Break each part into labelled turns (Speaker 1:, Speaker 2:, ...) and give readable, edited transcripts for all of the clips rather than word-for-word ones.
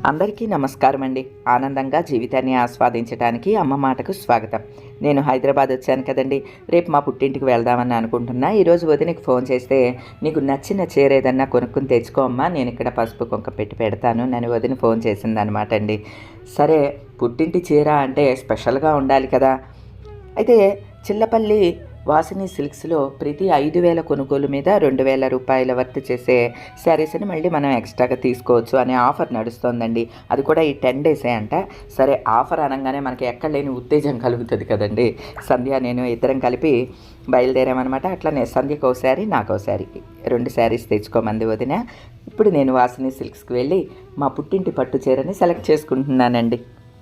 Speaker 1: అందరికీ నమస్కారం అండి. ఆనందంగా జీవితాన్ని ఆస్వాదించడానికి అమ్మ మాటకు స్వాగతం. నేను హైదరాబాద్ వచ్చాను కదండి. రేపు మా పుట్టింటికి వెళ్దామని అనుకుంటున్నా. ఈరోజు వదినకి ఫోన్ చేస్తే నీకు నచ్చిన చీర ఏదన్నా కొనుక్కుని తెచ్చుకో అమ్మా, నేను ఇక్కడ పసుపు కుంక పెట్టి పెడతాను నన్ను వదిన ఫోన్ చేసిందనమాట అండి. సరే, పుట్టింటి చీర అంటే స్పెషల్గా ఉండాలి కదా. అయితే చిల్లపల్లి వాసిని సిల్క్స్లో ప్రతి 5,000 కొనుగోలు మీద 2,000 రూపాయల వర్త్ చేసే శారీస్ని మళ్ళీ మనం ఎక్స్ట్రాగా తీసుకోవచ్చు అనే ఆఫర్ నడుస్తోందండి. అది కూడా ఈ 10 డేసే అంట. సరే, ఆఫర్ అనగానే మనకి ఎక్కడ లేని ఉత్తేజం కలుగుతుంది కదండి. సంధ్య నేను ఇద్దరం కలిపి బయలుదేరామన్నమాట. అట్లనే సంధ్యకు ఒక శారీ, నాకు ఒక శారీ, 2 శారీస్ తెచ్చుకోమంది వదిన. ఇప్పుడు నేను వాసిని సిల్క్స్కి వెళ్ళి మా పుట్టింటి పట్టు చీరని సెలెక్ట్ చేసుకుంటున్నానండి.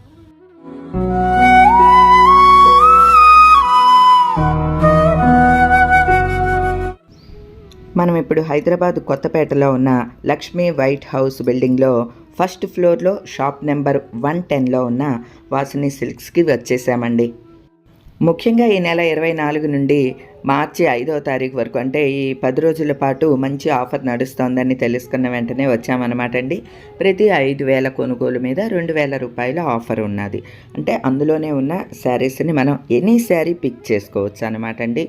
Speaker 1: మనం ఇప్పుడు హైదరాబాద్ కొత్తపేటలో ఉన్న లక్ష్మీ వైట్ హౌస్ బిల్డింగ్లో ఫస్ట్ ఫ్లోర్లో షాప్ నెంబర్ 110లో ఉన్న వాసిని సిల్క్స్కి వచ్చేసామండి. ముఖ్యంగా ఈ నెల 24 నుండి మార్చి 5వ తారీఖు వరకు, అంటే ఈ 10 రోజుల పాటు మంచి ఆఫర్ నడుస్తోందని తెలుసుకున్న వెంటనే వచ్చామన్నమాట అండి. ప్రతి 5,000 కొనుగోలు మీద 2,000 రూపాయల ఆఫర్ ఉన్నది. అంటే అందులోనే ఉన్న శారీస్ని మనం ఎనీ శారీ పిక్ చేసుకోవచ్చు అనమాట అండి.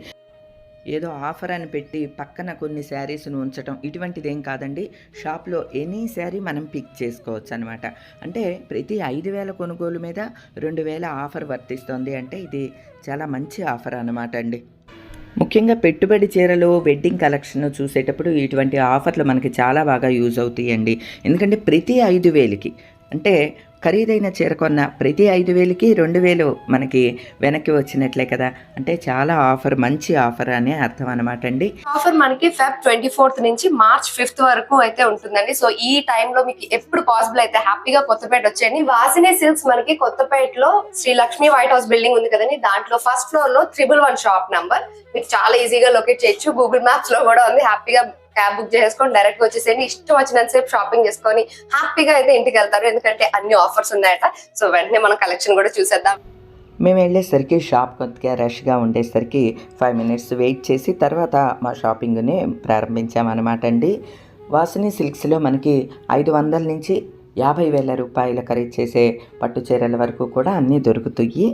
Speaker 1: ఏదో ఆఫర్ అని పెట్టి పక్కన కొన్ని శారీస్ను ఉంచటం ఇటువంటిది ఏం కాదండి. షాప్లో ఎనీ శారీ మనం పిక్ చేసుకోవచ్చు అనమాట. అంటే ప్రతి 5,000 కొనుగోలు మీద 2,000 ఆఫర్ వర్తిస్తుంది. అంటే ఇది చాలా మంచి ఆఫర్ అనమాట అండి. ముఖ్యంగా పెట్టుబడి చీరలు, వెడ్డింగ్ కలెక్షన్ చూసేటప్పుడు ఇటువంటి ఆఫర్లు మనకి చాలా బాగా యూజ్ అవుతాయండి. ఎందుకంటే ప్రతి 5,000కి, అంటే ఖరీదైన చీర కొన్న ప్రతి 5,000కి 2,000 మనకి వెనక్కి వచ్చినట్లే కదా. అంటే చాలా ఆఫర్, మంచి ఆఫర్ అనే అర్థం అనమాట అండి.
Speaker 2: ఆఫర్ మనకి Feb 24th నుంచి March 5th వరకు అయితే ఉంటుందండి. సో ఈ టైంలో మీకు ఎప్పుడు పాసిబుల్ అయితే హ్యాపీగా కొత్తపేట వచ్చేయండి. వాసిని సిల్క్స్ మనకి కొత్తపేటలో Sri Lakshmi white house building ఉంది కదండి. దాంట్లో ఫస్ట్ ఫ్లోర్ లో 111 షాప్ నంబర్. మీకు చాలా ఈజీగా లొకేట్ చేయొచ్చు. గూగుల్ మ్యాప్స్ లో కూడా ఉంది. హ్యాపీగా క్యాబ్ బుక్ చేసుకొని డైరెక్ట్ గా వచ్చేసేయండి. ఇష్టం వచ్చినంత సేపు షాపింగ్ చేసుకొని హ్యాపీగా అయితే ఇంటికి వెళ్తారు. ఎందుకంటే అన్ని ఆఫర్స్ ఉన్నాయట. సో వెంటనే మనం కలెక్షన్ కూడా చూసేద్దాం.
Speaker 1: మేము వెళ్ళేసరికి షాప్ కొద్దిగా రష్గా ఉండేసరికి 5 minutes వెయిట్ చేసి తర్వాత మా షాపింగ్ని ప్రారంభించామన్నమాట అండి. వాసిని సిల్క్స్లో మనకి 500 నుంచి 50,000 రూపాయల ఖరీదు చేసే పట్టు చీరల వరకు కూడా అన్నీ దొరుకుతాయి.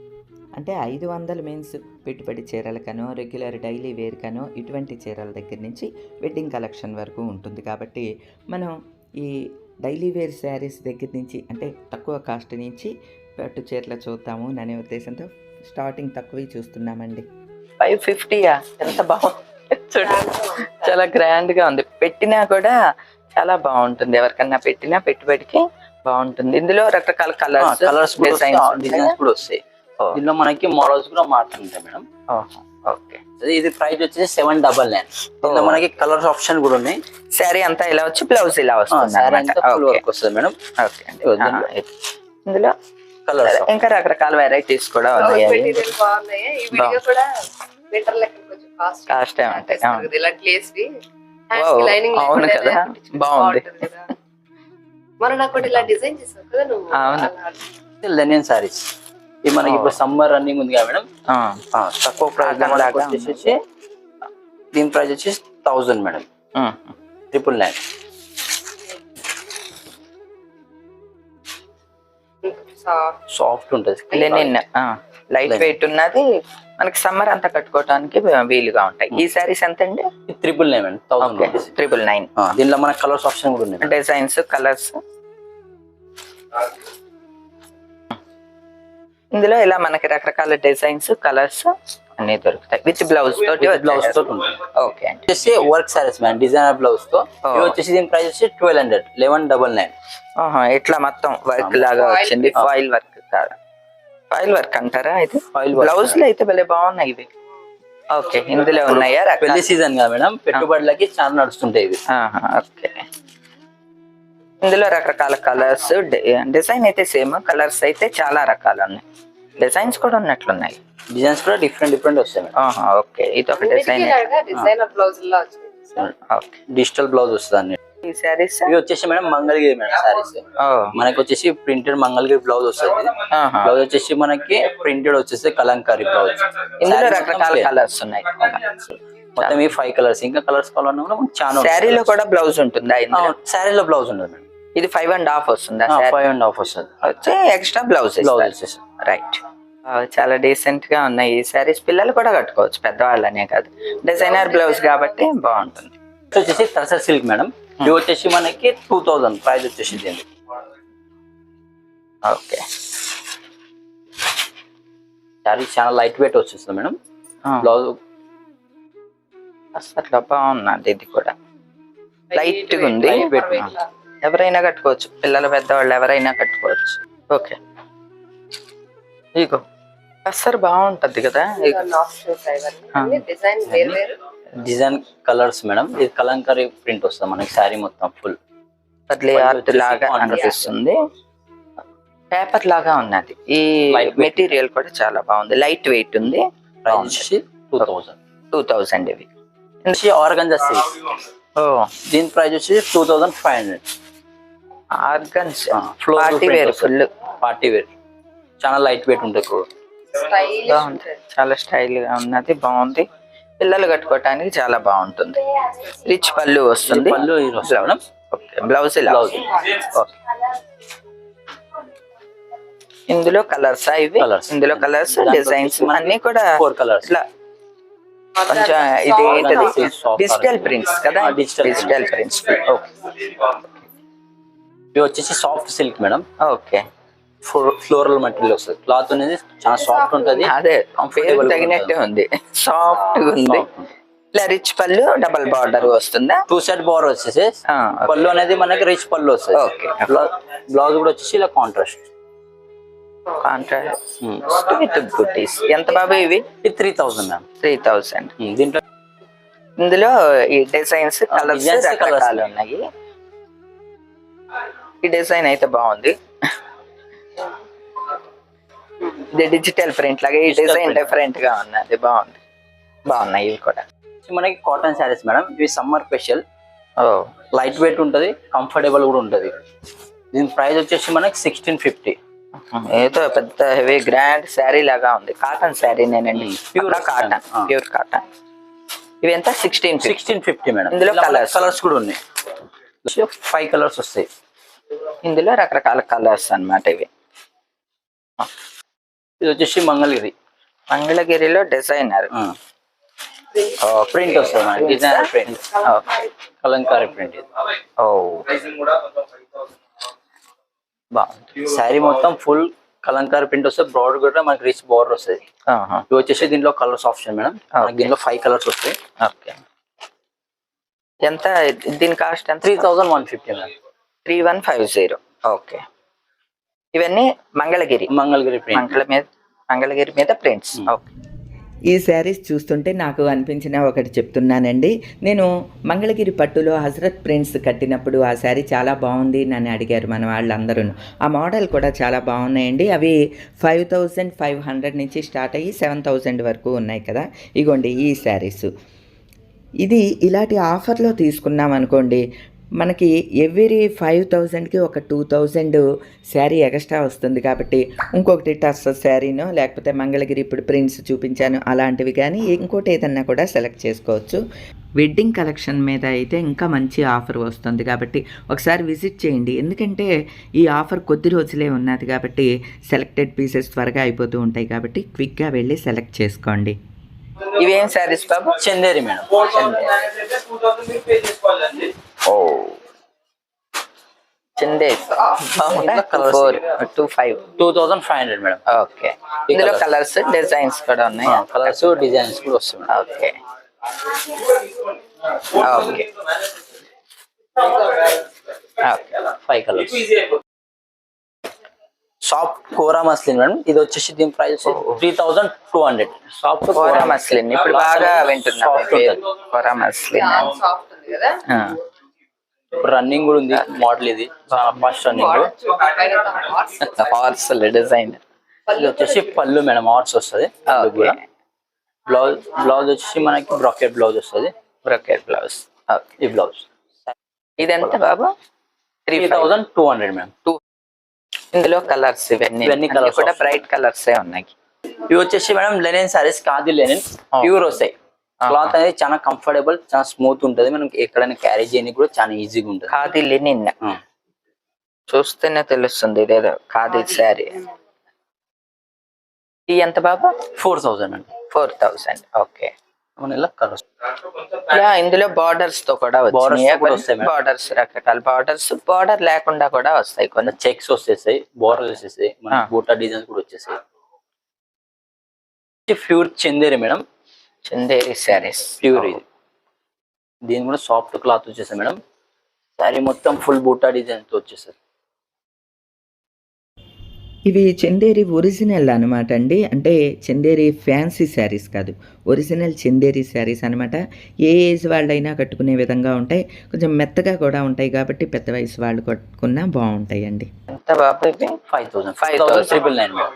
Speaker 1: అంటే 500 మీన్స్ పెట్టుబడి చీరలకనో, రెగ్యులర్ డైలీ వేర్కనో, ఇటువంటి చీరల దగ్గర నుంచి వెడ్డింగ్ కలెక్షన్ వరకు ఉంటుంది. కాబట్టి మనం ఈ డైలీ వేర్ శారీస్ దగ్గర నుంచి, అంటే తక్కువ కాస్ట్ నుంచి పట్టు చీరలు చూద్దాము అనే ఉద్దేశంతో స్టార్టింగ్ తక్కువ చూస్తున్నామండి. 550యా? ఎంత బాగుంది చూడండి, చాలా గ్రాండ్గా ఉంది. పెట్టినా కూడా చాలా బాగుంటుంది. ఎవరికన్నా పెట్టినా పెట్టుబడికి బాగుంటుంది. ఇందులో రకరకాల కలర్స్ డిజైన్స్ కూడా వస్తాయి.
Speaker 3: దీనిలో మనకి మోడల్స్ కూడా మారుతుంటాయి మేడం.
Speaker 1: ఓకే,
Speaker 3: ఇది ప్రైస్ వచ్చేసి 799. దీనిలో మనకి కలర్స్ ఆప్షన్ కూడా ఉన్నాయి.
Speaker 1: శారీ అంతా ఇలా వచ్చి బ్లౌజ్ ఇలా వస్తుంది
Speaker 3: మేడం.
Speaker 1: ఓకే, ఇందులో కలర్స్ ఇంకా రకరకాల వెరైటీస్ కూడా ఉన్నాయి. కాస్ట్ అవును కదా, బాగుంది.
Speaker 3: లెనిన్ సారీస్ ఇది మనకి ఇప్పుడు సమ్మర్ రన్నింగ్ ఉంది కదా మేడం. తక్కువ ప్రైస్ వచ్చేసి దీని ప్రైస్ వచ్చేసి 1000 మేడం. 999. సాఫ్ట్ ఉంటుంది,
Speaker 1: లెనిన్ లైట్ వెయిట్ ఉన్నది. మనకి సమ్మర్ అంతా కట్టుకోవడానికి వీలుగా ఉంటాయి. ఈ సారీస్ ఎంత అండి?
Speaker 3: 999 మేడం.
Speaker 1: 999.
Speaker 3: దీనిలో మనకి కలర్స్ ఆప్షన్ కూడా ఉన్నాయి,
Speaker 1: డిజైన్స్, కలర్స్. ఇందులో ఇలా మనకి రకరకాల డిజైన్స్, కలర్స్ అన్ని దొరుకుతాయి. విత్ బ్లౌజ్ తోటి
Speaker 3: ఉంటుంది. ఓకే అండి. వచ్చేసి work saris ma'am, designer blouse తో. వచ్చేసి దీని ప్రైస్ వచ్చి 1200. 1199.
Speaker 1: ఇట్లా మొత్తం వర్క్ లాగా వచ్చింది. ఫాయిల్ వర్క్ కాదు, ఫాయిల్ వర్క్ అంటారా? అయితే బ్లౌజ్ లో అయితే భలే బాగున్నాయి ఇవి. ఓకే, ఇందులో ఉన్నాయా?
Speaker 3: పెళ్లి సీజన్ కదా మేడం, పెట్టుబడులకి చాలా నడుస్తుంటాయి ఇవి.
Speaker 1: ఓకే, ఇందులో రకరకాల కలర్స్, డిజైన్ అయితే సేమ్, కలర్స్ అయితే చాలా రకాలు ఉన్నాయి. డిజైన్స్ కూడా ఉన్నట్లున్నాయి.
Speaker 3: డిజైన్స్ కూడా డిఫరెంట్ వస్తాయి.
Speaker 1: ఓకే, ఇది ఒక డిజైన్.
Speaker 3: డిజిటల్ బ్లౌజ్ వస్తుంది.
Speaker 1: ఈ సారీస్
Speaker 3: ఇవి వచ్చేసి మేడం మంగళగిరి మేడం సారీస్. మనకి వచ్చేసి ప్రింటెడ్ మంగళగిరి బ్లౌజ్ వస్తుంది. బ్లౌజ్ వచ్చేసి మనకి ప్రింటెడ్ వచ్చేసి కలంకారీ బ్లౌజ్.
Speaker 1: ఇందులో రకరకాల కలర్స్ ఉన్నాయి.
Speaker 3: మొత్తం ఈ 5 కలర్స్. ఇంకా కలర్స్ కావాలన్నా కూడా చాలా.
Speaker 1: శారీలో కూడా బ్లౌజ్ ఉంటుందా?
Speaker 3: శారీలో బ్లౌజ్ ఉండదు మేడం.
Speaker 1: ఇది 5.5 వస్తుందా సార్?
Speaker 3: 5.5 వస్తుంది.
Speaker 1: వచ్చి ఎక్స్ట్రా బ్లౌజ్
Speaker 3: బ్లౌజ్ వచ్చేసి
Speaker 1: రైట్. చాలా డీసెంట్ గా ఉన్నాయి ఈ సారీస్. పిల్లలు కూడా కట్టుకోవచ్చు, పెద్దవాళ్ళనే కాదు. డిజైనర్ బ్లౌజ్ కాబట్టి బాగుంటుంది.
Speaker 3: వచ్చేసి టసర్ సిల్క్ మేడం. ఇది వచ్చేసి మనకి 2000 ప్రైస్ వచ్చేసి దీనికి.
Speaker 1: ఓకే,
Speaker 3: సారీ చాలా లైట్ వెయిట్ వచ్చేస్తుంది మేడం. బ్లౌజ్
Speaker 1: అసలు బాగున్నది, ఇది కూడా లైట్ గా ఉంది.
Speaker 3: లైట్ వెయిట్
Speaker 1: ఎవరైనా కట్టుకోవచ్చు, పిల్లలు పెద్దవాళ్ళు ఎవరైనా కట్టుకోవచ్చు. ఓకే, ఇగో అసలు బాగుంటది కదా.
Speaker 2: డిజైన్ వేరు వేరు
Speaker 3: డిజైన్ కలర్స్ మేడం. ఇది కలంకారీ ప్రింట్ వస్తుంది మనకి శారీ మొత్తం ఫుల్.
Speaker 1: పర్లే ఆర్ట్ లాగా అనిపిస్తుంది, పేపర్ లాగా ఉన్నది. ఈ మెటీరియల్ కూడా చాలా బాగుంది, లైట్ వెయిట్ ఉంది.
Speaker 3: ప్రైస్ వచ్చేసి 2000.
Speaker 1: ఇవి
Speaker 3: ఆర్గంజా సిల్క్.
Speaker 1: ఓ,
Speaker 3: దీని ప్రైస్ వచ్చి 2500.
Speaker 1: Organza party wear, full
Speaker 3: party wear, చాలా లైట్ వెయిట్ ఉంటుంది.
Speaker 1: బాగుంది, చాలా స్టైల్ గా ఉన్నది, బాగుంది. పిల్లలు కట్టుకోవటానికి చాలా బాగుంటుంది. రిచ్ పళ్ళు వస్తుంది.
Speaker 3: పళ్ళు మేడం.
Speaker 1: బ్లౌజ్
Speaker 3: బ్లౌజ్
Speaker 1: ఇందులో కలర్స్ ఇవి. ఇందులో కలర్స్ డిజైన్స్ అన్ని కూడా
Speaker 3: 4 కలర్స్.
Speaker 1: ఇట్లా కొంచెం ఇది ఏంటది, డిజిటల్ ప్రింట్స్ కదా. Digital prints.
Speaker 3: ఇవి వచ్చేసి soft silk madam.
Speaker 1: Okay,
Speaker 3: floral material వస్తుంది. క్లాత్ అనేది చాలా సాఫ్ట్ ఉంటుంది.
Speaker 1: అదే పేరు తగినట్టే ఉంది, సాఫ్ట్ ఉంది. ఇలా రిచ్ పళ్ళు, డబల్ బార్డర్ వస్తుందా?
Speaker 3: 2 సెట్ బార్డర్ వచ్చేసి పళ్ళు అనేది మనకి రిచ్ పళ్ళు వస్తుంది.
Speaker 1: ఓకే,
Speaker 3: బ్లౌజ్ కూడా వచ్చేసి ఇలా కాంట్రాస్ట్.
Speaker 1: విత్ బుటీస్. ఎంత బాబు ఇవి?
Speaker 3: 3000 మ్యామ్.
Speaker 1: 3000.
Speaker 3: దీంట్లో
Speaker 1: ఇందులో ఈ డిజైన్స్ కలర్స్ రకరకాలు ఉన్నాయి. ఈ డిజైన్ అయితే బాగుంది. ఇది డిజిటల్ ప్రింట్ లాగా, ఈ డిజైన్ డిఫరెంట్ గా ఉన్నది, బాగుంది. బాగున్నాయి ఇవి కూడా.
Speaker 3: మనకి కాటన్ శారీస్ మేడం. ఇవి సమ్మర్ స్పెషల్. లైట్ వెయిట్ ఉంటది, కంఫర్టబుల్ కూడా ఉంటది. దీని ప్రైస్ వచ్చేసి మనకి 1650.
Speaker 1: ఏదో పెద్ద హెవీ గ్రాండ్ శారీ లాగా ఉంది. కాటన్ శారీ నేనండి, ప్యూర్ కాటన్. Pure cotton. ఇవి ఎంత? 1650
Speaker 3: మేడం.
Speaker 1: ఇందులో
Speaker 3: కలర్స్ కూడా ఉన్నాయి. 5 కలర్స్ వస్తాయి.
Speaker 1: ఇందులో రకరకాల కలర్స్ అన్నమాట ఇవి.
Speaker 3: ఇది వచ్చేసి
Speaker 1: మంగళగిరిలో డిజైనర్
Speaker 3: ప్రింట్ వస్తుంది. Designer print, kalamkari print.
Speaker 1: ఓ, బాగుంది.
Speaker 3: శారీ మొత్తం ఫుల్ కలంకారీ ప్రింట్ వస్తుంది. బ్రాడర్ కూడా మనకి రిచ్ బార్డర్ వస్తుంది. ఇవి వచ్చేసి దీంట్లో కలర్స్ ఆప్షన్ మేడం. దీంట్లో 5 కలర్స్ వస్తాయి.
Speaker 1: ఓకే, ఎంత దీని కాస్ట్? ఎంత?
Speaker 3: 3150 మేడం.
Speaker 1: 3150. ఓకే, ఇవన్నీ మంగళగిరి
Speaker 3: ప్రింట్.
Speaker 1: మంగళగిరి మీద ప్రింట్స్. ఓకే, ఈ శారీస్ చూస్తుంటే నాకు అనిపించిన ఒకటి చెప్తున్నానండి. నేను మంగళగిరి పట్టులో హజరత్ ప్రింట్స్ కట్టినప్పుడు ఆ శారీ చాలా బాగుంది నన్ను అడిగారు మన వాళ్ళందరూ. ఆ మోడల్ కూడా చాలా బాగున్నాయండి. అవి 5500 నుంచి స్టార్ట్ అయ్యి 7000 వరకు ఉన్నాయి కదా. ఇగోండి ఈ శారీస్. ఇది ఇలాంటి ఆఫర్లో తీసుకున్నాం అనుకోండి, మనకి ఎవ్రీ 5000కి ఒక 2000 శారీ ఎక్స్ట్రా వస్తుంది. కాబట్టి ఇంకొకటి టస్ శారీనో లేకపోతే మంగళగిరి ఇప్పుడు ప్రింట్స్ చూపించాను అలాంటివి కానీ ఇంకోటి ఏదన్నా కూడా సెలెక్ట్ చేసుకోవచ్చు. వెడ్డింగ్ కలెక్షన్ మీద అయితే ఇంకా మంచి ఆఫర్ వస్తుంది కాబట్టి ఒకసారి విజిట్ చేయండి. ఎందుకంటే ఈ ఆఫర్ కొద్ది రోజులే ఉన్నది కాబట్టి సెలెక్టెడ్ పీసెస్ త్వరగా అయిపోతూ ఉంటాయి కాబట్టి క్విక్గా వెళ్ళి సెలెక్ట్ చేసుకోండి. ఇవేం శారీస్ బాబు?
Speaker 3: చందేరి మేడం.
Speaker 1: ఓ, చందేరి
Speaker 3: 2500 మేడం.
Speaker 1: ఓకే, ఇందులో కలర్స్ డిజైన్స్ కూడా ఉన్నాయి.
Speaker 3: కలర్స్ డిజైన్స్ కూడా వస్తుంది.
Speaker 1: Okay, okay,
Speaker 3: 5 colours. Soft kora muslin madam. ఇది వచ్చేసి దీని ప్రైస్ 3200. సాఫ్ట్
Speaker 1: కోరా మస్లిన్ ఇప్పుడు బాగా వింటున్నా. కోరా మస్లిన్
Speaker 2: సాఫ్ట్ ఉంది కదా.
Speaker 3: రన్నింగ్ కూడా ఉంది మోడల్. ఇది చాలా ఫాస్ట్ రన్నింగ్.
Speaker 1: Horse design.
Speaker 3: ఇది వచ్చేసి పళ్ళు మేడం, హార్స్ వస్తుంది. బ్లౌజ్ వచ్చేసి మనకి బ్రాకెట్ బ్లౌజ్ వస్తుంది.
Speaker 1: Bracket blouse.
Speaker 3: ఈ బ్లౌజ్.
Speaker 1: ఇది ఎంత బాబు?
Speaker 3: 3200 మేడం.
Speaker 1: ఇందులో కలర్స్ ఇవన్నీ కలర్స్ కూడా బ్రైట్ కలర్స్ ఉన్నాయి.
Speaker 3: ఇవి వచ్చేసి madam linen saris. Khadi linen pure వస్తాయి. క్లాత్ అనేది చాలా కంఫర్టబుల్, చాలా స్మూత్ ఉంటది. మనం ఎక్కడైనా క్యారీ చేయడానికి కూడా చాలా ఈజీగా ఉంటుంది.
Speaker 1: ఖాదీ లెనిన్ చూస్తేనే తెలుస్తుంది ఇదేదో ఖాదీ శారీ. ఈ ఎంత బాబా?
Speaker 3: 4000 అండి.
Speaker 1: 4000. ఓకే.
Speaker 3: మన ఇలా కలర్స్
Speaker 1: ఇందులో బార్డర్స్ తో కూడా
Speaker 3: Borders తో కూడా వస్తాయి మేడం.
Speaker 1: బార్డర్స్, రకరకాల బార్డర్స్, బార్డర్ లేకుండా కూడా వస్తాయి కొన్ని.
Speaker 3: చెక్స్ వచ్చేసాయి, బోర్డర్ వచ్చేసాయి, మన బూటా డిజైన్స్ కూడా వచ్చేసాయి. Pure Chanderi madam,
Speaker 1: Chanderi saris
Speaker 3: pure ఇది. దీని కూడా సాఫ్ట్ క్లాత్ వచ్చేసాయి మేడం. శారీ మొత్తం ఫుల్ బూటా డిజైన్ తో వచ్చేసాయి.
Speaker 1: ఇవి చందేరి ఒరిజినల్ అనమాట అండి. అంటే చందేరి ఫ్యాన్సీ శారీస్ కాదు, ఒరిజినల్ చందేరి శారీస్ అనమాట. ఏ ఏజ్ వాళ్ళైనా కట్టుకునే విధంగా ఉంటాయి, కొంచెం మెత్తగా కూడా ఉంటాయి కాబట్టి పెద్ద వయసు వాళ్ళు కట్టుకున్నా బాగుంటాయండి. ఎంత బాబు ఇవి?
Speaker 3: 5000 5999 మేడం.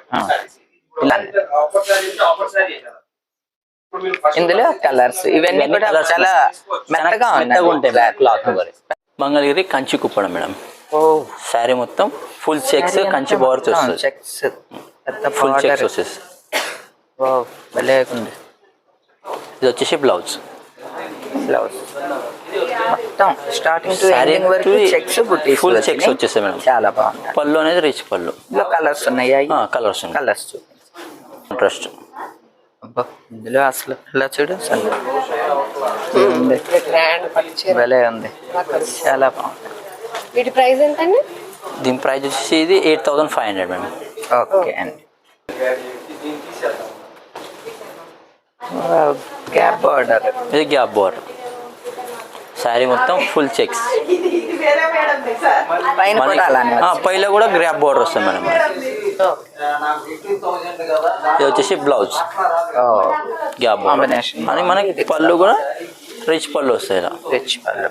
Speaker 1: ఇందులో కలర్స్ ఇవన్నీ కూడా చాలా మెత్తగా
Speaker 3: ఉంటాయి క్లాత్. మంగళగిరి కంచి కుప్పడం మేడం. శారీ మొత్తం ఫుల్ చెక్స్, కంచి బోర్డర్స్ వస్తుంది.
Speaker 1: చెక్స్,
Speaker 3: ఫుల్ చెక్స్ వచ్చేసి
Speaker 1: భలే ఉంది.
Speaker 3: ఇది వచ్చేసి బ్లౌజ్.
Speaker 1: మొత్తం స్టార్టింగ్ టు
Speaker 3: శారీ
Speaker 1: ఎండింగ్ వరకు చెక్స్, బుట్టీస్,
Speaker 3: ఫుల్ చెక్స్ వచ్చేస్తాయి మేడం.
Speaker 1: చాలా బాగుంది.
Speaker 3: పళ్ళు అనేది రిచ్ పళ్ళు.
Speaker 1: ఇందులో కలర్స్ ఉన్నాయా?
Speaker 3: Colours
Speaker 1: colours
Speaker 3: interest.
Speaker 1: ఇందులో అసలు ఇలా చూడు, భలే ఉంది, చాలా బాగుంది.
Speaker 2: వీటి ప్రైస్ ఎంతండి?
Speaker 3: దీని ప్రైస్ వచ్చేసి ఇది 8500 మేడం.
Speaker 1: ఓకే అండి. గ్యాప్ బార్డర్,
Speaker 3: ఇది గ్యాప్ బోర్డర్. శారీ మొత్తం ఫుల్ చెక్స్,
Speaker 1: పైన కూడా అలానే
Speaker 3: పైలో కూడా గ్యాప్ బోర్డర్ వస్తుంది మేడం. ఇది వచ్చేసి బ్లౌజ్ గ్యాప్
Speaker 1: కాంబినేషన్
Speaker 3: అని మనకి పళ్ళు కూడా రిచ్ పళ్ళు వస్తాయి. ఇలా
Speaker 1: రిచ్ పళ్ళు,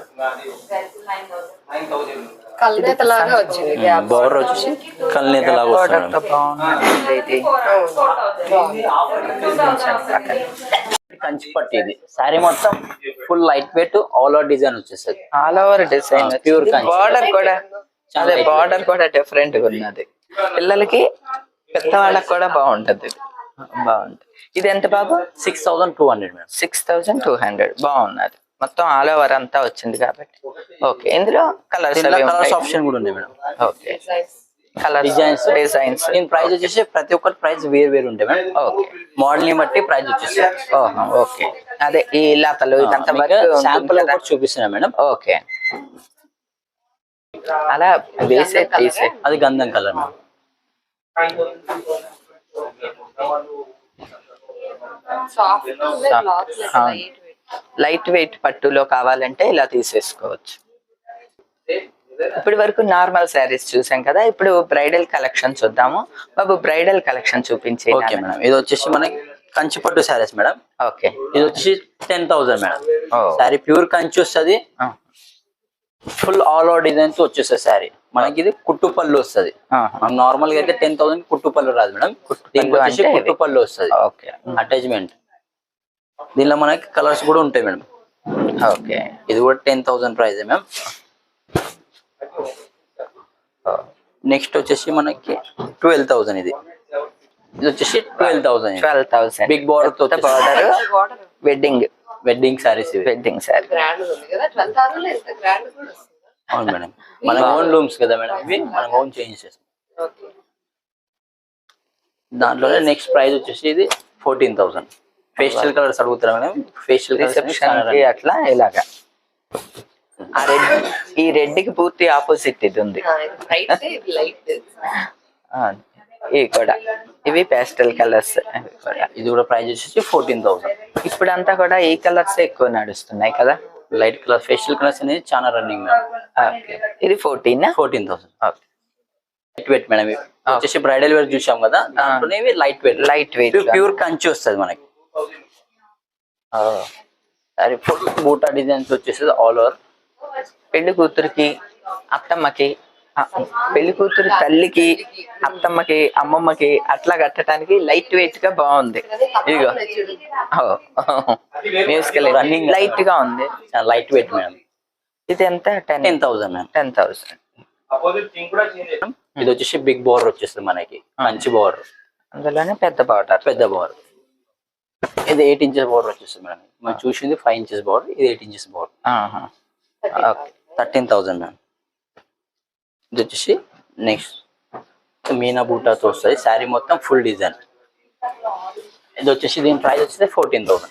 Speaker 2: కల్నేతలాగా వచ్చింది.
Speaker 3: బోర్డర్ వచ్చేసి కల్నేత లాగా వస్తుంది మేడం.
Speaker 1: బాగుంది ఇది.
Speaker 3: కంచి పట్టు ఇది. శారీ మొత్తం full light weight all over design వచ్చేస్తుంది.
Speaker 1: All over design,
Speaker 3: pure Kanchi.
Speaker 1: Border కూడా
Speaker 3: చాలా
Speaker 1: అదే బార్డర్ కూడా డిఫరెంట్ గా ఉన్నది. పిల్లలకి పెద్దవాళ్ళకి కూడా బాగుంటది. బాగుంది. ఇది ఎంత బాబు?
Speaker 3: 6200 మేడం.
Speaker 1: 6200. బాగున్నది. మొత్తం ఆల్ ఓవర్ అంతా వచ్చింది కాబట్టి. ఓకే. ఇందులో కలర్స్
Speaker 3: కలర్స్ ఆప్షన్ కూడా ఉన్నాయి madam.
Speaker 1: Okay. Colour
Speaker 3: designs
Speaker 1: designs
Speaker 3: price వచ్చేసి ప్రతి ఒక్కరి ప్రైస్ వేరు ఉంటాయి మేడం.
Speaker 1: ఓకే.
Speaker 3: మోడల్ ని బట్టి ప్రైస్ వచ్చేసి.
Speaker 1: ఓకే. అదే ఈ లతలు ఇదంతా
Speaker 3: శాంపుల్ చూపిస్తున్నా మేడం.
Speaker 1: ఓకే. అలా వేసే తీసే
Speaker 3: అది గంధం కలర్ మేడం.
Speaker 1: లైట్ వెయిట్ పట్టులో కావాలంటే ఇలా తీసేసుకోవచ్చు. ఇప్పటి వరకు నార్మల్ శారీస్ చూసాం కదా, ఇప్పుడు బ్రైడల్ కలెక్షన్ చూద్దాము. బాబు బ్రైడల్ కలెక్షన్ చూపించే.
Speaker 3: Okay madam. ఇది వచ్చేసి మనకి కంచి పట్టు శారీస్ మేడం.
Speaker 1: ఓకే.
Speaker 3: ఇది వచ్చేసి 10000 మేడం. శారీ ప్యూర్ కంచి వస్తుంది, ఫుల్ ఆల్ ఓవర్ డిజైన్స్ వచ్చేస్తుంది శారీ. మనకి ఇది కుట్టు పళ్ళు వస్తుంది. మనం నార్మల్ గా అయితే 10,000 కుట్టు పళ్ళు రాదు మేడం. దీనికి వచ్చేసి కుట్టు పళ్ళు వస్తుంది.
Speaker 1: ఓకే.
Speaker 3: అటాచ్మెంట్. దీనిలో మనకి కలర్స్ కూడా ఉంటాయి మేడం.
Speaker 1: ఓకే.
Speaker 3: ఇది కూడా 10,000 ప్రైస్ మ్యామ్. నెక్స్ట్ వచ్చేసి మనకి 12,000. ఇది వచ్చేసి 12,000 బిగ్ బార్డర్ తో
Speaker 1: border wedding
Speaker 3: saris.
Speaker 1: Wedding sari.
Speaker 3: అవును మేడం. మన ఓన్ లూమ్స్ కదా మేడం, ఇవి మనం ఓన్ చేంజ్ చేస్తాం. దాంట్లోనే నెక్స్ట్ ప్రైస్ వచ్చేసి ఇది 14,000. ఫేషియల్ కలర్స్ అడుగుతారా మేడం? ఫేషియల్
Speaker 1: రిసెప్షన్ కి అట్లా ఇలాగా. ఈ రెడ్ కి పూర్తి ఆపోజిట్ ఇది ఉంది. ఇవి కూడా ఇవి పేస్టల్ కలర్స్.
Speaker 3: ఇది కూడా ప్రైస్ వచ్చేసి 14,000.
Speaker 1: ఇప్పుడు అంతా కూడా ఈ కలర్స్ ఎక్కువ నడుస్తున్నాయి కదా.
Speaker 3: లైట్ కలర్ ఫేషియల్ కలర్స్ అనేది చాలా రన్నింగ్ మేడం.
Speaker 1: ఇది 14,000.
Speaker 3: Light weight madam. వచ్చేసి బ్రైడల్ వేర్ చూసాం కదా, దాంట్లోనే లైట్ వెయిట్ ప్యూర్ కంచి వస్తుంది మనకి. సరే ఫుల్ బూటా డిజైన్స్ వచ్చేసి ఆల్ ఓవర్.
Speaker 1: పెళ్లి కూతురికి, అత్తమ్మకి, పెళ్లి కూతురు తల్లికి, అత్తమ్మకి, అమ్మమ్మకి అట్లా కట్టడానికి లైట్ వెయిట్ గా బాగుంది. ఇదిగో మ్యూజికల్ రన్నింగ్ లైట్ గా ఉంది.
Speaker 3: Light weight madam.
Speaker 1: ఇది ఎంత?
Speaker 3: 10,000 మేడం.
Speaker 1: 10,000.
Speaker 3: ఇది వచ్చేసి బిగ్ బోర్డర్ వచ్చేస్తుంది మనకి, మంచి బోర్డర్.
Speaker 1: అందులోనే పెద్ద బార్డర్.
Speaker 3: ఇది 8 ఇంచెస్ బోర్డర్ వచ్చేస్తుంది మేడం. మనం చూసింది 5 ఇంచెస్ బోర్డర్, ఇది 8 ఇంచెస్ బోర్డర్. 13,000 మేడం. ఇది వచ్చేసి నెక్స్ట్ మీనా బూటాతో వస్తుంది శారీ మొత్తం ఫుల్ డిజైన్. ఇది వచ్చేసి దీని ప్రైస్ వచ్చేసి 14,000.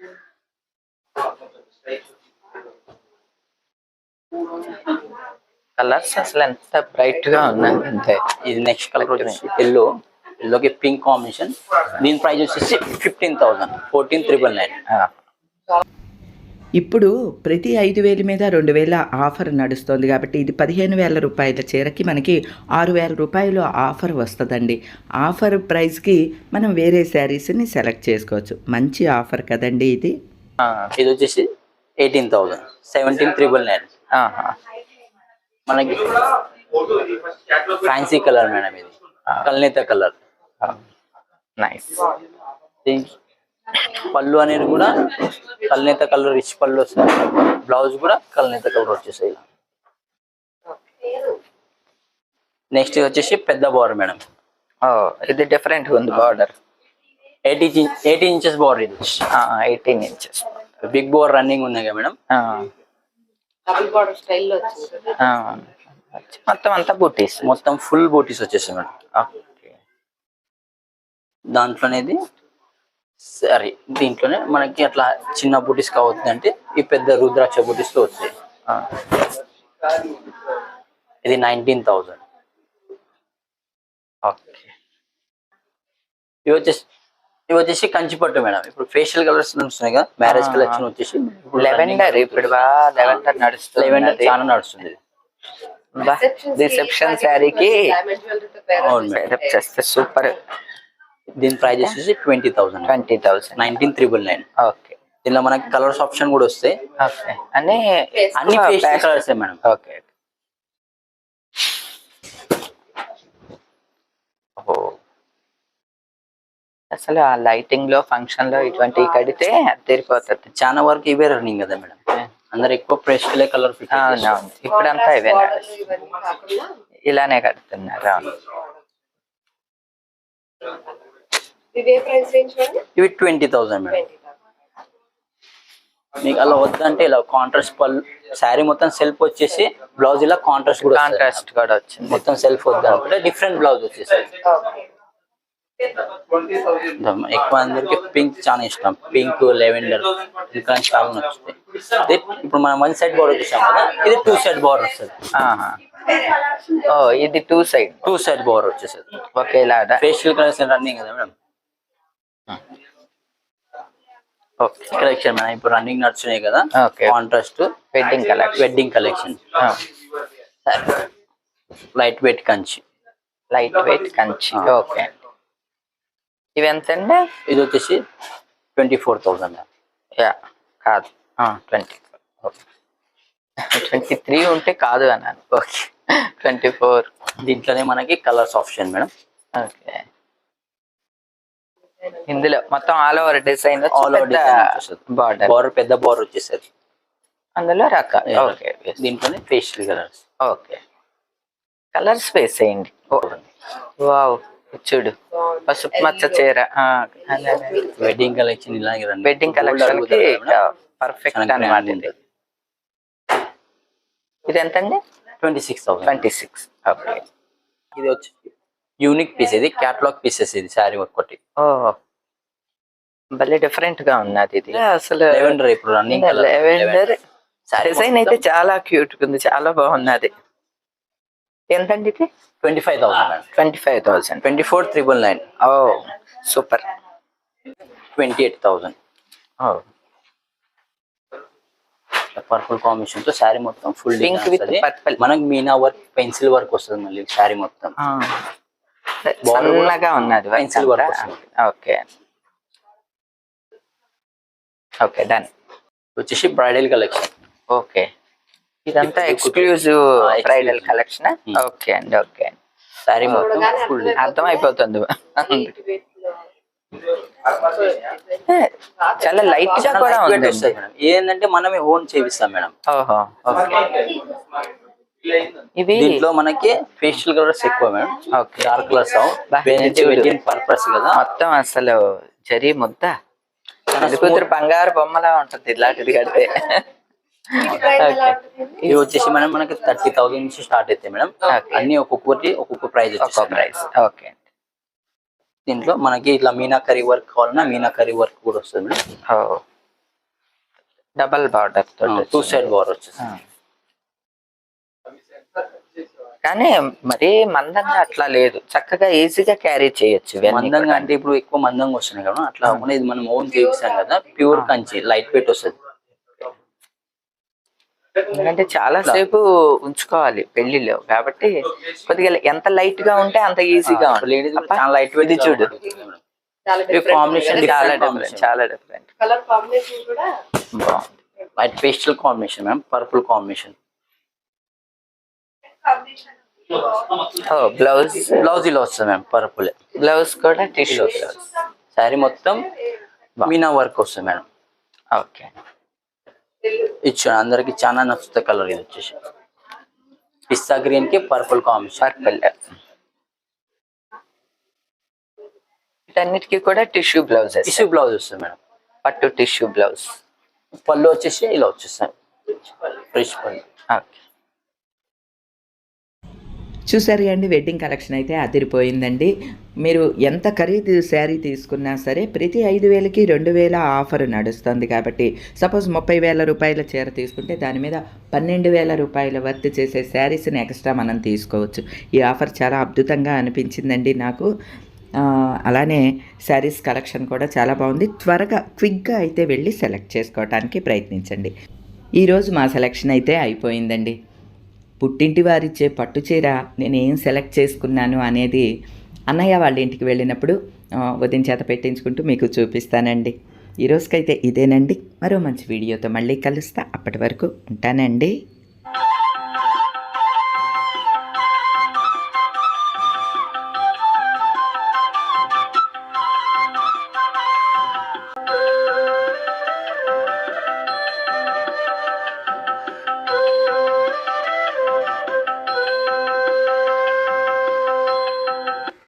Speaker 4: కలర్స్ అసలు ఎంత బ్రైట్ గా ఉన్నాయి అంతే.
Speaker 3: ఇది నెక్స్ట్ కలర్ వచ్చేసి ఎల్లోకి పింక్ కాంబినేషన్. దీని ప్రైస్ వచ్చేసి 15,000, 14,999.
Speaker 1: ఇప్పుడు ప్రతి 5,000 మీద 2,000 ఆఫర్ నడుస్తుంది కాబట్టి ఇది 15,000 రూపాయల చీరకి మనకి 6,000 రూపాయలు ఆఫర్ వస్తుందండి. ఆఫర్ ప్రైస్కి మనం వేరే శారీస్ని సెలెక్ట్ చేసుకోవచ్చు. మంచి ఆఫర్ కదండి ఇది.
Speaker 3: ఇది వచ్చేసి 18,000, 17,999. మనకి ఫ్యాన్సీ కలర్ మేడం, ఇది కల్నేత కలర్.
Speaker 4: నైస్.
Speaker 3: పళ్ళు అనేది కూడా కల్నేత కలర్, రిచ్ పళ్ళు వస్తుంది. బ్లౌజ్ కూడా కల్నేత కలర్ వచ్చేసాయి. నెక్స్ట్ వచ్చేసి పెద్ద బార్డర్ మేడం.
Speaker 4: ఇది డిఫరెంట్ ఉంది బార్డర్.
Speaker 3: 18 inches border. ఇది
Speaker 4: 18 ఇంచెస్
Speaker 3: బిగ్ బార్డర్ రన్నింగ్ ఉంది కదా మేడం.
Speaker 2: డబుల్ బార్డర్ స్టైల్లో వచ్చింది.
Speaker 4: మొత్తం అంతా బూటీస్,
Speaker 3: మొత్తం ఫుల్ బూటీస్ వచ్చేసాయి మేడం.
Speaker 4: ఓకే.
Speaker 3: దాంట్లో అనేది సరే దీంట్లోనే మనకి అట్లా చిన్న బూటీస్ కావద్దు అంటే ఈ పెద్ద రుద్రాక్ష బూటీస్ లో వస్తాయి. ఇది 19,000.
Speaker 4: ఓకే.
Speaker 3: ఇవి వచ్చేసి కంచిపట్టు మేడం. ఇప్పుడు ఫేషియల్ కలర్స్ నడుస్తున్నాయి కదా, మ్యారేజ్ కలెక్షన్ వచ్చేసి
Speaker 4: లెవెండర్. ఇప్పుడు లెవెండర్ నడుస్తుంది.
Speaker 3: లెవెండర్ చాలా నడుస్తుంది.
Speaker 4: రిసెప్షన్ శారీకి
Speaker 3: అవును మేడం,
Speaker 4: చేస్తే సూపర్.
Speaker 3: దీని ప్రైస్ వచ్చేసి 20,000,
Speaker 4: 20,000,
Speaker 3: 19,999.
Speaker 4: ఓకే.
Speaker 3: దీనిలో మనకి కలర్స్ ఆప్షన్ కూడా వస్తాయి.
Speaker 4: ఓకే. అన్ని
Speaker 3: ఫేషియల్ కలర్స్ మేడం.
Speaker 4: ఓకే. అసలు ఆ లైటింగ్ లో ఫంక్షన్ లో ఇటువంటి కడితే తీరిపోతుంది.
Speaker 3: చాలా వరకు ఇవే రన్నింగ్ కదా మేడం. అందరు ఎక్కువ ప్రెస్టల్ కలర్ ఫిట్.
Speaker 4: అవునవును, ఇప్పుడంతా ఇవే ఇలానే కడుతున్నారు.
Speaker 2: ఇదే ప్రైస్ రేంజ్ అండి.
Speaker 3: ఇవి 20,000 మేడం. మీకు అలా వద్దంటే ఇలా కాంట్రాస్ట్ పళ్ళు, శారీ మొత్తం సెల్ఫ్ వచ్చేసి బ్లౌజ్ ఇలా కాంట్రాస్ట్ కూడా
Speaker 4: వచ్చింది.
Speaker 3: మొత్తం సెల్ఫ్ వద్దంటే డిఫరెంట్ బ్లౌజ్ వచ్చేసి. ఎక్కువ అందరికి పింక్ చాలా ఇష్టం. పింక్, లెవెండర్ ఇంకా చాలా నచ్చుతాయి. ఇప్పుడు మనం 1 సైడ్ బార్డర్ చూసాం కదా, ఇది 2 సైడ్ బార్డర్ వస్తుంది.
Speaker 4: ఇది 2 సైడ్
Speaker 3: బార్డర్ వచ్చేసరి
Speaker 4: ఒకేలా.
Speaker 3: ఫేషియల్ కలర్స్ రన్నింగ్ కదా మేడం. ఓకే. కలెక్షన్ మేడం ఇప్పుడు రన్నింగ్ నడుస్తున్నాయి కదా, contrast wedding collection. Light weight Kanchi.
Speaker 4: Okay. ఇవి ఎంత అండి?
Speaker 3: ఇది వచ్చేసి 24,000.
Speaker 4: కాదు, 23 ఉంటే కాదు అన్నాను. ఓకే. 24.
Speaker 3: దీంట్లోనే మనకి కలర్స్ ఆప్షన్ మేడం.
Speaker 4: ఓకే. ఇందులో మొత్తం ఆల్ ఓవర్ డిజైన్,
Speaker 3: బార్డర్ పెద్ద బార్డర్ వచ్చేసరి
Speaker 4: అందులో రకాలు. ఓకే.
Speaker 3: దీంట్లోనే ఫేషియల్ కలర్స్.
Speaker 4: ఓకే. కలర్స్ వేసేయండి. వావ్, చూడు పసుపు మచ్చ చీర.
Speaker 3: వెడ్డింగ్ కలెక్షన్ ఇలాగే రండి.
Speaker 4: వెడ్డింగ్ కలెక్షన్ కి పర్ఫెక్ట్ అన్నమాట. ఇది ఎంత అండి?
Speaker 3: 26,000.
Speaker 4: 26. ఓకే.
Speaker 3: ఇది వచ్చి యూనిక్ పీస్, ఇది క్యాటలాగ్ పీసెస్. ఇది శారీ ఒకటి.
Speaker 4: భలే డిఫరెంట్ గా ఉన్నది ఇది. అసలు
Speaker 3: లెవెండర్ ఇప్పుడు రన్నింగ్
Speaker 4: లెవెండర్ డిజైన్ అయితే చాలా క్యూట్ ఉంది, చాలా బాగున్నది. ఎంతండి ఇది?
Speaker 3: 25,000.
Speaker 4: 25,000.
Speaker 3: 24,999.
Speaker 4: ఓ సూపర్.
Speaker 3: 28,000. పర్పుల్ కాంబినేషన్ తో శారీ మొత్తం ఫుల్
Speaker 4: పింక్ విత్ పర్పుల్.
Speaker 3: మనకి మీనా వర్క్, పెన్సిల్ వర్క్ వస్తుంది మళ్ళీ శారీ మొత్తం.
Speaker 4: సన్నగా ఉన్నది
Speaker 3: పెన్సిల్ వర్క్ వస్తుంది.
Speaker 4: ఓకే. Okay, done.
Speaker 3: వచ్చేసి బ్రైడల్ కలెక్షన్.
Speaker 4: ఓకే. ఇదంతా ఎక్స్క్లూజివ్ బ్రైడల్ కలెక్షన్. ఓకే అండి. ఓకే.
Speaker 3: శారీ మొత్తం ఫుల్
Speaker 4: అర్థం అయిపోతుంది. చాలా లైట్ గా కూడా ఉంది.
Speaker 3: ఏంటంటే మనమే ఓన్ చేపిస్తాం మేడం.
Speaker 4: ఓహో. ఇవి
Speaker 3: దీంట్లో మనకి ఫేషియల్ కలర్స్ ఎక్కువ madam.
Speaker 4: Okay.
Speaker 3: Dark colours purpose కదా.
Speaker 4: మొత్తం అసలు జరీ ముద్ద కూతురు బంగారు బొమ్మలా ఉంటుంది ఇలాంటిది కడితే.
Speaker 2: వీటి ప్రైస్ ఎలా ఉంటుంది?
Speaker 3: ఇవి వచ్చేసి మేడం మనకి 30,000 నుంచి స్టార్ట్ అవుతాయి మేడం.
Speaker 4: Okay.
Speaker 3: అన్ని ఒక్కొక్క ప్రైస్
Speaker 4: ఒక్కో ప్రైస్. ఓకే.
Speaker 3: దీంట్లో మనకి ఇట్లా మీనాకరీ వర్క్ కావాలన్నా మీనాకరీ వర్క్ కూడా వస్తుంది మేడం.
Speaker 4: ఓ, డబల్ బార్డర్ తోటి
Speaker 3: 2 సైడ్ బార్ వచ్చేసి.
Speaker 4: కానీ మరీ మందంగా అట్లా లేదు, చక్కగా ఈజీగా క్యారీ చేయొచ్చు ఇవన్నీ
Speaker 3: మందంగా
Speaker 4: కూడా.
Speaker 3: అంటే ఇప్పుడు ఎక్కువ మందంగా వస్తున్నాయి కదా, అట్లా కాకుండా ఇది మనం ఓన్ చేసాం కదా, ప్యూర్ కంచి లైట్ వెయిట్ వస్తుంది.
Speaker 4: ఎందుకంటే చాలా సేపు ఉంచుకోవాలి పెళ్లిలో కాబట్టి కొద్దిగా ఎంత లైట్ గా ఉంటే అంత ఈజీగా
Speaker 3: లేడీస్
Speaker 4: ఉంటుంది.
Speaker 3: చాలా లైట్ వెయిట్
Speaker 4: ఇది చూడు,
Speaker 2: చాలా
Speaker 3: ఇది కాంబినేషన్
Speaker 4: చాలా డిఫరెంట్, చాలా డిఫరెంట్.
Speaker 2: కలర్ కాంబినేషన్ కూడా
Speaker 4: బాగుంది.
Speaker 3: Light pastel combination ma'am, purple combination.
Speaker 4: ఓ, బ్లౌజ్
Speaker 3: బ్లౌజ్ ఇలా వస్తుంది మ్యామ్, పర్పుల్
Speaker 4: బ్లౌజ్ కూడా టిష్యూ బ్లౌజ్.
Speaker 3: శారీ మొత్తం మీనా వర్క్ వస్తుంది మేడం.
Speaker 4: ఓకే.
Speaker 3: ఇచ్చు అందరికి చాలా నచ్చుతుంది కలర్. ఇది వచ్చేసి పిస్తా గ్రీన్ కి పర్పుల్ కాంబినేషన్.
Speaker 4: పర్పుల్. వీటన్నిటికీ కూడా టిష్యూ బ్లౌజ్,
Speaker 3: టిష్యూ బ్లౌజ్ వస్తుంది మేడం,
Speaker 4: పట్టు టిష్యూ బ్లౌజ్.
Speaker 3: పళ్ళు వచ్చేసి ఇలా వచ్చేస్తాయి, రిచ్ పళ్ళు.
Speaker 4: ఓకే.
Speaker 1: చూసారు అండి, వెడ్డింగ్ కలెక్షన్ అయితే అదిరిపోయిందండి. మీరు ఎంత ఖరీదు శారీ తీసుకున్నా సరే ప్రతి 5,000కి 2,000 ఆఫర్ నడుస్తుంది. కాబట్టి సపోజ్ 30,000 రూపాయల చీర తీసుకుంటే దాని మీద 12,000 రూపాయల వర్త్ చేసే శారీస్ని ఎక్స్ట్రా మనం తీసుకోవచ్చు. ఈ ఆఫర్ చాలా అద్భుతంగా అనిపించిందండి నాకు. అలానే శారీస్ కలెక్షన్ కూడా చాలా బాగుంది. త్వరగా క్విక్గా అయితే వెళ్ళి సెలెక్ట్ చేసుకోవడానికి ప్రయత్నించండి. ఈరోజు మా సెలెక్షన్ అయితే అయిపోయిందండి. పుట్టింటి వారిచ్చే పట్టు చీర నేను ఏం సెలెక్ట్ చేసుకున్నాను అనేది అన్నయ్య వాళ్ళ ఇంటికి వెళ్ళినప్పుడు వదిన చేత పెట్టించుకుంటూ మీకు చూపిస్తానండి. ఈరోజుకైతే ఇదేనండి. మరో మంచి వీడియోతో మళ్ళీ కలుస్తా. అప్పటి వరకు ఉంటానండి.